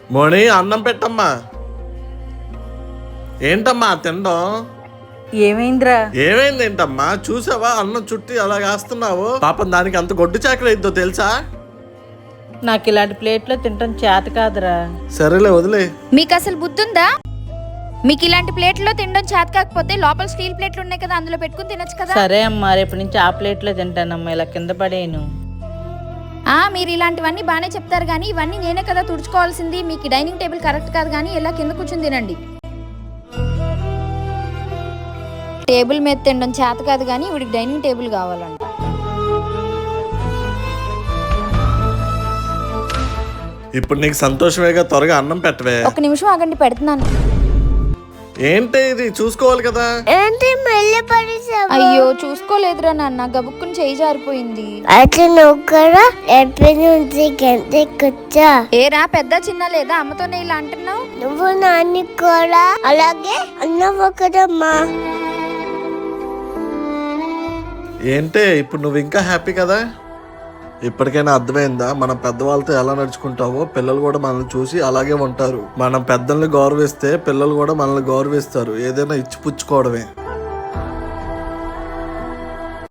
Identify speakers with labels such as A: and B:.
A: మోని అన్నం పెట్టమ్మా. ఏంటమ్మా తినడం?
B: ఏమైందిరా?
A: ఏమైంది ఏంటమ్మా? చూసావా అన్నం చుట్టి అలా వేస్తున్నావు? పాపం దానికి అంత గొడ్డు చాకరీ అయిద్దో తెలుసా?
B: నాకు ఇలాంటి ప్లేట్లో తినటం చేత కాదురా.
A: సరేలే వదిలే.
C: మీకు అసలు బుద్ధి ఉందా? మీకు ఇలాంటి ప్లేట్లో తినడం చేత కాకపోతే లోపల స్టీల్ ప్లేట్లు ఉన్నాయి కదా, అందులో పెట్టుకుని తినొచ్చు కదా.
B: సరే అమ్మా, రేపటి నుంచి ఆ ప్లేట్లో తింటానమ్మా, ఇలా కింద పడేయను.
C: మీరు ఇలాంటివన్నీ బాగానే చెప్తారు కానీ ఇవన్నీ నేనే కదా తుడుచుకోవాల్సింది. మీకు డైనింగ్ టేబుల్ కరెక్ట్ కాదు కానీ ఇలా కింద కూర్చొని తినండి. టేబుల్ మీద తినడం చేత కాదు కానీ వీడికి డైనింగ్ టేబుల్ కావాలంట.
A: ఇప్పుడు నీకు సంతోషమేగా, త్వరగా అన్నం పెట్టవే.
C: ఒక నిమిషం ఆగండి, పెడుతున్నాను.
A: ఏంటి ఇది? చూసుకోవాలి కదా.
C: అయ్యో చూసుకోలేదురా నాన్న, గబుక్కుని చేయి జారిపోయింది. ఏరా పెద్ద చిన్న లేదా? అమ్మతోనే ఇలా అంటున్నావు?
D: నువ్వు నాన్ని కూడా అలాగే అన్నావు కదమ్మా.
A: ఏంటే ఇప్పుడు నువ్వు ఇంకా హ్యాపీ కదా? ఇప్పటికైనా అర్థమైందా మనం పెద్దవాళ్ళతో ఎలా నడుచుకుంటావో పిల్లలు కూడా మనల్ని చూసి అలాగే ఉంటారు. మనం పెద్దల్ని గౌరవిస్తే పిల్లలు కూడా మనల్ని గౌరవిస్తారు. ఏదైనా ఇచ్చి పుచ్చుకోవడమే.